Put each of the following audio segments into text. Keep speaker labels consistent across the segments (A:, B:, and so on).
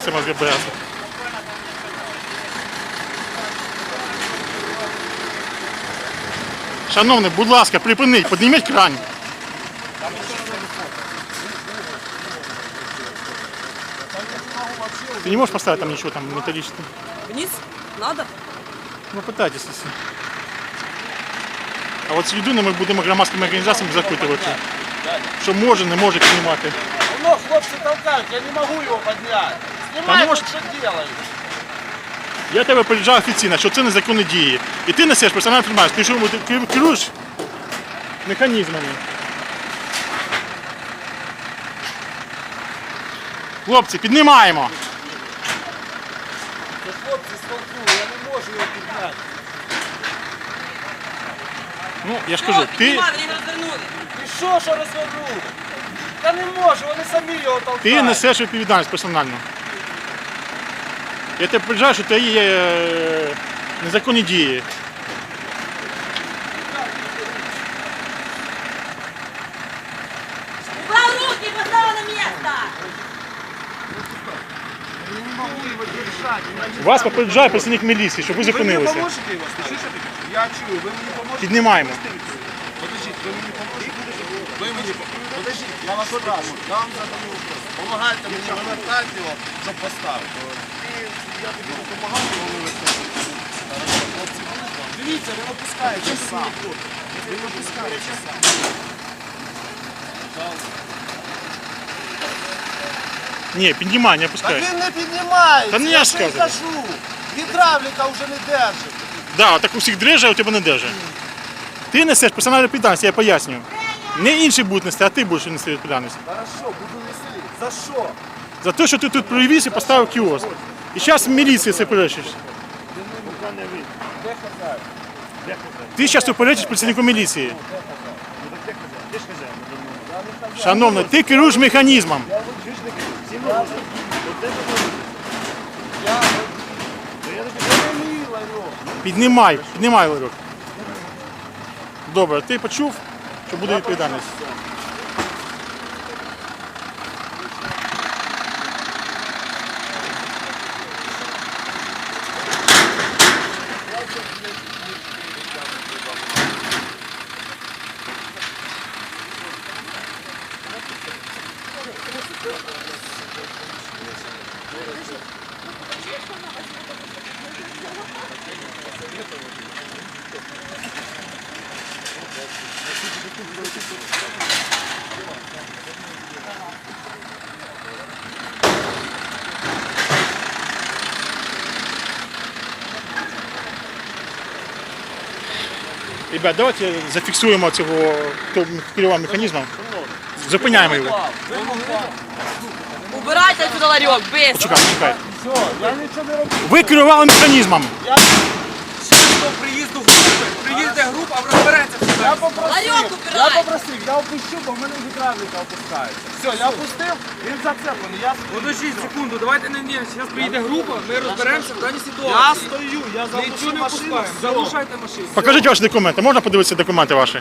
A: цим ГБС. Шановний, будь ласка, припиніть, підніміть кран. Ты не можешь поставить там ничего там металлического?
B: Вниз? Надо?
A: Ну, пытайтесь, если. А от сліду ми будемо громадськими організаціями запитувати, що може, не може піднімати.
C: Ну, хлопцы толкают, я не могу его поднять. Снимай,
A: может.
C: вот что делаешь.
A: Я тебе попереджаю офіційно, що це незаконні дії. І ти несеш персональну інформацію, ти керуєш механізмами. Хлопці, піднімаємо.
C: Да, хлопцы, столкнули, я не могу его поднять.
A: Ну, я ж кажу, ти...
B: Піднімай, вони розвернули.
C: І що розвернув? Та не можу, вони самі його толкають.
A: Ти несеш відповідальність персонально. Я тебе попереджаю, що це є незаконні дії.
B: Убрав руки, поставив на місце.
C: Я не могу его держать.
A: Вас попереджає працівник міліції, щоб ви
C: Вы мне
A: зупинилися.
C: поможете его? Слышите? Я чую, вы мне поможете?
A: Піднімаємо.
C: Подождите, вы мне поможете? Вы мне подождите, я вас спрашиваю, я вам задаю вопрос. Помогайте мені вивертати його, щоб поставити. Я тобі допомагав його вивертати. Хлопці, дивіться, він опускається сам. Він опускається сам.
A: Ні, піднімай, не
C: Так
A: опускай.
C: він не піднімається,
A: Та не
C: я
A: я
C: ж
A: ж
C: не
A: кажу.
C: кажу. Гідравліка вже не держить.
A: Да, так у всіх дреже, а у тебе не держи. Ти несеш персональну відповідальність, я пояснюю. Не інші будуть нести, а ти будеш нести відповідальність.
C: Хорошо, буду нести. За що?
A: За те, що ти тут привіз і поставив кіоск. І зараз в міліції це перечиш.
C: Де хазяїн?
A: Ти зараз уперечиш працівнику міліції. Шановний, ти керуєш механізмом.
C: Я не мій ларьок.
A: Піднімай ларьок. Добре, ти почув, що буде відповідальність. Ребят, давайте зафіксуємо цього, хто керував механізмом. Зупиняємо його.
B: Убирайте отсюда ларьок, быстро.
A: Почекай.
C: Все, я нічого не роблю.
A: Ви керували механізмом.
D: До приїзду групи, приїзде група, розбереться все.
C: Я попросив,
B: Ларьок убирай.
C: я опущу, бо в мене гідравліка опускається. Все, я опустив, він зацеплений.
D: Подождіть секунду, давайте не зараз приїде група, ми розберемося в даній
C: Я
D: ситуації.
C: стою, я
D: Нічого
C: заглушу
D: не
C: машину.
D: пускаємо,
C: все.
D: залишайте машину.
A: Покажіть ваші документи. Можна подивитися документи ваші?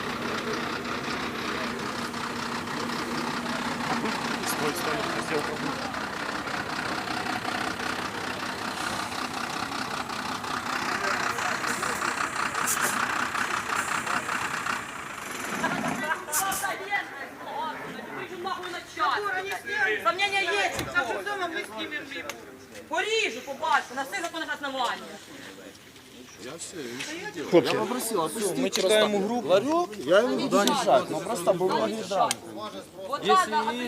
B: Сомнения есть. Дома мы снимем рыбу. Поріжу, побачу, на всіх законних основаннях.
A: Хлопці,
C: Ми чекаємо групу. Ларьок? Я йому буду мішати, ну просто було гідравліка.
B: Вот так,